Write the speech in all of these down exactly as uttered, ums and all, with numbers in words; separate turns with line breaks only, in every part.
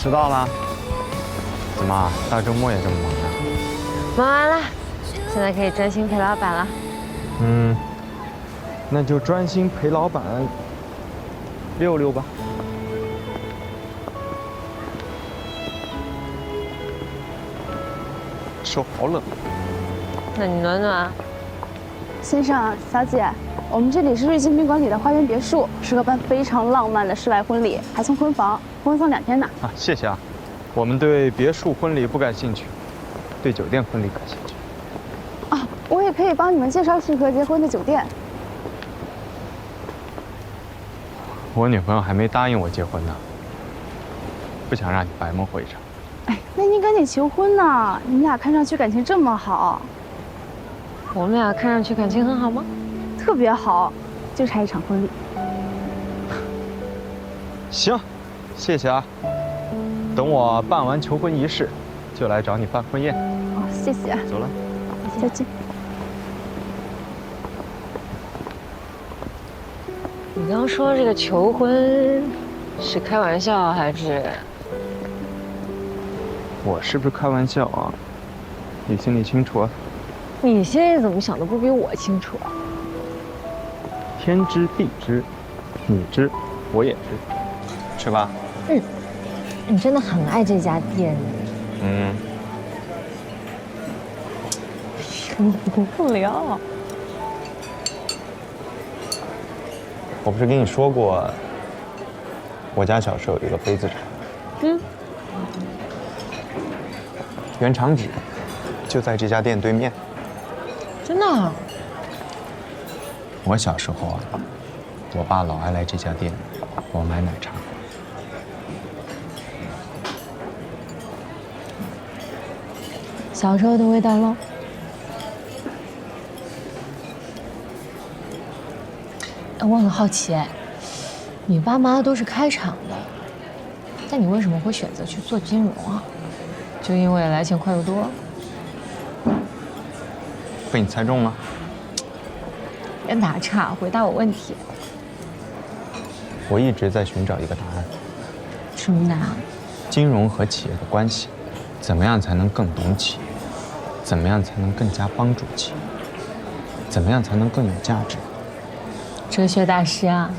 迟到了。怎么大周末也这么忙呀？
忙完了，现在可以专心陪老板了。
嗯，那就专心陪老板溜溜吧。手好冷。
那你暖暖。
先生、小姐，我们这里是瑞金宾馆里的花园别墅，适合办非常浪漫的室外婚礼，还送婚房，婚送两天呢。
啊，谢谢啊。我们对别墅婚礼不感兴趣，对酒店婚礼感兴趣。
啊，我也可以帮你们介绍适合结婚的酒店。
我女朋友还没答应我结婚呢，不想让你白忙活一场。
哎，那您赶紧求婚呢！你们俩看上去感情这么好。
我们俩看上去感情很好吗？
特别好，就差一场婚礼。
行，谢谢啊。等我办完求婚仪式，就来找你办婚宴。
哦，谢谢。
走了，
再见。
你刚说这个求婚是开玩笑还是？
我是不是开玩笑啊？你心里清楚啊。
你现在怎么想的不比我清楚啊？
天知地知，你知，我也知，是吧？
嗯，你真的很爱这家店。
嗯。
你不聊。
我不是跟你说过，我家小时候有一个杯子厂。嗯。原厂址就在这家店对面。
真的啊？
我小时候啊，我爸老爱来这家店给我买奶茶。
小时候的味道喽。我很好奇，哎，你爸妈都是开厂的，但你为什么会选择去做金融啊？就因为来钱快又多？
被你猜中了。
别打岔，回答我问题。
我一直在寻找一个答案。
什么答案？
金融和企业的关系，怎么样才能更懂企业？怎么样才能更加帮助企业？怎么样才能更有价值？
哲学大师啊！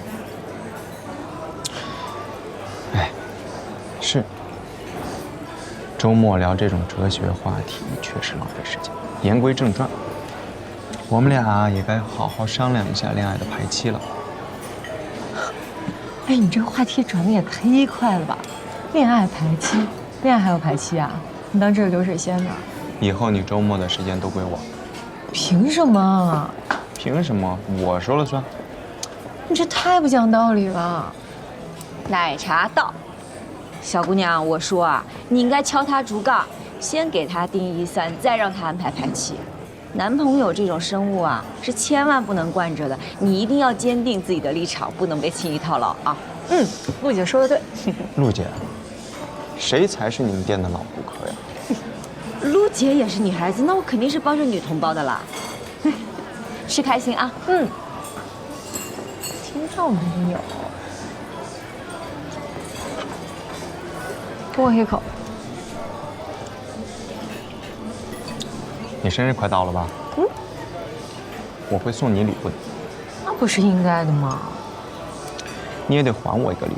哎，是。周末聊这种哲学话题确实浪费时间。言归正传，我们俩也该好好商量一下恋爱的排期了。
哎，你这个话题转的也忒快了吧？恋爱排期，恋爱还有排期啊？你当这是流水线呢？
以后你周末的时间都归我。
凭什么？
凭什么？我说了算。
你这太不讲道理了。
奶茶到，小姑娘，我说啊，你应该敲他竹杠，先给他定一三，再让他安排排期。男朋友这种生物啊，是千万不能惯着的，你一定要坚定自己的立场，不能被轻易套牢啊。
嗯，陆姐说的对。
陆姐，谁才是你们店的老顾客呀？
陆姐也是女孩子，那我肯定是帮着女同胞的啦。吃开心啊。
嗯。听到没有？跟我一口。
你生日快到了吧？嗯。我会送你礼物的。
那不是应该的吗？
你也得还我一个礼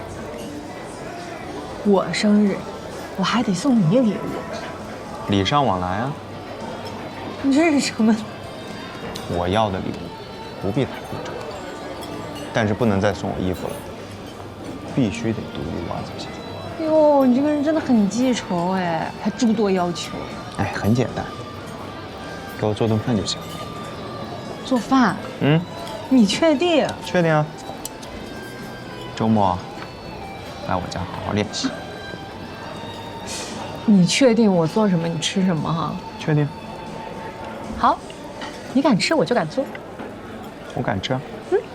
物。我生日，我还得送你礼物。
礼尚往来啊。
你这是什么？
我要的礼物不必太贵重，但是不能再送我衣服了，必须得独一无二才行。
哟，你这个人真的很记仇哎，还诸多要求。
哎，很简单，给我做顿饭就行。
做饭？
嗯。
你确定？
确定啊。周末来我家好好练习。
你确定我做什么你吃什么哈？
确定。
好，你敢吃我就敢做。
我敢吃啊。
嗯。